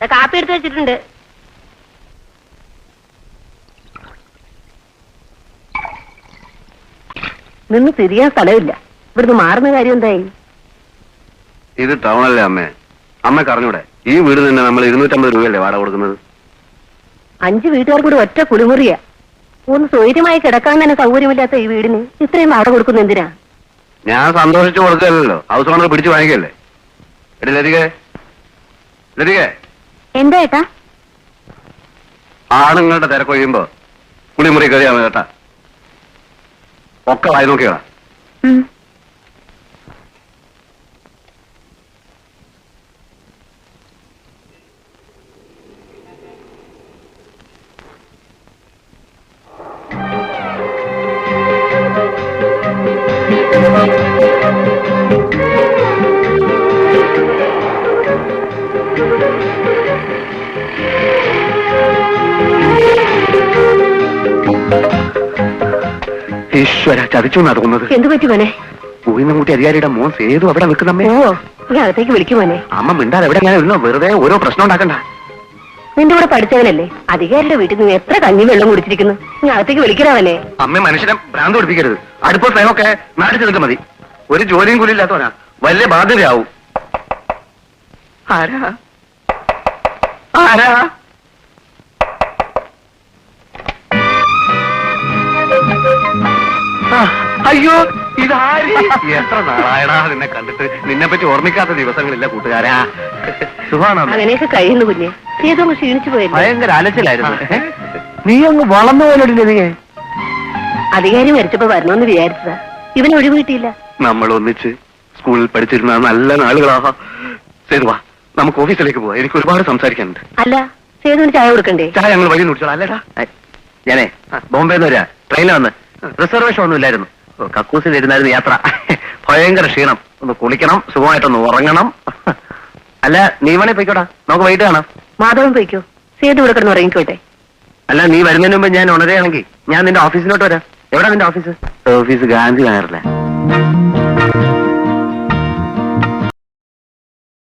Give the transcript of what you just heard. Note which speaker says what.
Speaker 1: കാപ്പി എടുത്ത് വെച്ചിട്ടുണ്ട്. നിന്ന് തിരിയാൻ സ്ഥലമില്ല. ഇവിടുന്ന് മാറുന്ന കാര്യം എന്തായി?
Speaker 2: ഇത് ടൗണല്ലേ അമ്മേ. അമ്മക്ക് അറിഞ്ഞൂടെ, ഈ വീട് തന്നെ നമ്മൾ 250 രൂപയല്ലേ വാടക കൊടുക്കുന്നത്?
Speaker 1: 5 വീട്ടുകാർ കൂടി ഒറ്റ കുളിമുറിയാ. ഒന്ന് സ്വൈര്യമായി കിടക്കാൻ തന്നെ സൗകര്യമില്ലാത്ത ഈ വീടിന് ഇത്രയും വാടക കൊടുക്കുന്ന എന്തിനാ?
Speaker 2: ഞാൻ സന്തോഷിച്ചു കൊടുക്കല്ലോ, ഹൗസ് ഓണർ പിടിച്ചു വാങ്ങിക്കല്ലേ. എടി ലതികേ, ലതികേ,
Speaker 1: എന്താ ഏട്ടാ?
Speaker 2: ആണുങ്ങളുടെ തിരക്കൊഴിയുമ്പോ കുളിമുറി കയറിയാ മതി കേട്ടാ. ഒക്കെ വായി നോക്കിയാ. ഈശ്വര, ചതിച്ചു നടക്കുന്നത്.
Speaker 1: എന്തു പറ്റി മോനെ?
Speaker 2: പൂയിന്നൂട്ടി അധികാരിയുടെ മോൻ സേതു അവിടെ നിൽക്കുന്നമ്മേ.
Speaker 1: ഓ, ഞാൻ അകത്തേക്ക് വിളിക്കും മോനെ.
Speaker 2: അമ്മ മിണ്ടാതെ എവിടെ ഞാൻ ഇരുന്നോ, വെറുതെ ഓരോ പ്രശ്നം ഉണ്ടാക്കണ്ട.
Speaker 1: നിന്റെ കൂടെ പഠിച്ചവനല്ലേ, അധികാരിയുടെ വീട്ടിൽ നിന്ന് എത്ര കഞ്ഞി വെള്ളം കുടിച്ചിരിക്കുന്നു. ഞാൻ അകത്തേക്ക് വിളിക്കണവനെ.
Speaker 2: അമ്മ മനുഷ്യനെ ഭ്രാന്ത് പഠിപ്പിക്കരുത്. അടുപ്പ സ്നേഹമൊക്കെ നാടിച്ചു നിൽക്കാൻ മതി. ഒരു ജോലിയും കൂലി ഇല്ലാത്തവനാ, വലിയ ബാധ്യതയാവും. ആരാ ആരാ? അയ്യോ, ഇതാര്? എത്ര നാളായടാ നിന്നെ കണ്ടിട്ട്. നിന്നെ പറ്റി ഓർമ്മിക്കാത്ത ദിവസങ്ങളില്ല കൂട്ടുകാരാ. സുഖാണോ?
Speaker 1: അങ്ങനെയൊക്കെ കഴിയുന്നു കുഞ്ഞെ. ഏതോ ക്ഷീണിച്ചു പോയല്ലോ.
Speaker 2: ഭയങ്കര അലച്ചിലായിരുന്നു. നീ അങ്ങ് വളർന്നു പോലോടില്ലേ നീ?
Speaker 1: അധികാരി മരിച്ചപ്പോ വരണമെന്ന് വിചാരിച്ചതാ, ഇവന് ഒഴിവ് കിട്ടിയില്ല.
Speaker 2: നമ്മൾ ഒന്നിച്ച് സ്കൂളിൽ പഠിച്ചിരുന്ന നല്ല നാളുകളാ. സേതുവാ, നമുക്ക് ഓഫീസിലേക്ക് പോവാം. എനിക്ക് ഒരുപാട് സംസാരിക്കാനുണ്ട്.
Speaker 1: അല്ല, സേതുവിന് ചായ കൊടുക്കണ്ടേ?
Speaker 2: ചായ ഞങ്ങൾ വഴി കുടിച്ചോളാം. അല്ലേടാ, ഞാനേ ബോംബെന്ന് വരാ. ട്രെയിനിൽ വന്ന് റിസർവേഷൻ ഒന്നും ഇല്ലായിരുന്നു. കക്കൂസിലിരുന്നായിരുന്നു യാത്ര. ഭയങ്കര ക്ഷീണം. ഒന്ന് കുളിക്കണം, സുഖമായിട്ടൊന്ന് ഉറങ്ങണം. അല്ല, നീ വേണേ പോയിക്കോടാ, നമുക്ക് വൈകിട്ട് കാണാം.
Speaker 1: മാധവൻ പോയിക്കോ, സേതു ഇവിടെ കിടന്ന് ഉറങ്ങിക്കോട്ടെ.
Speaker 2: അല്ല, നീ വരുന്നതിന് മുമ്പ് ഞാൻ ഉണരുകയാണെങ്കിൽ ഞാൻ നിന്റെ ഓഫീസിലോട്ട് വരാം. എവിടാ നിന്റെ ഓഫീസ്? ഓഫീസ് ഗാന്ധി നഗറിലെ.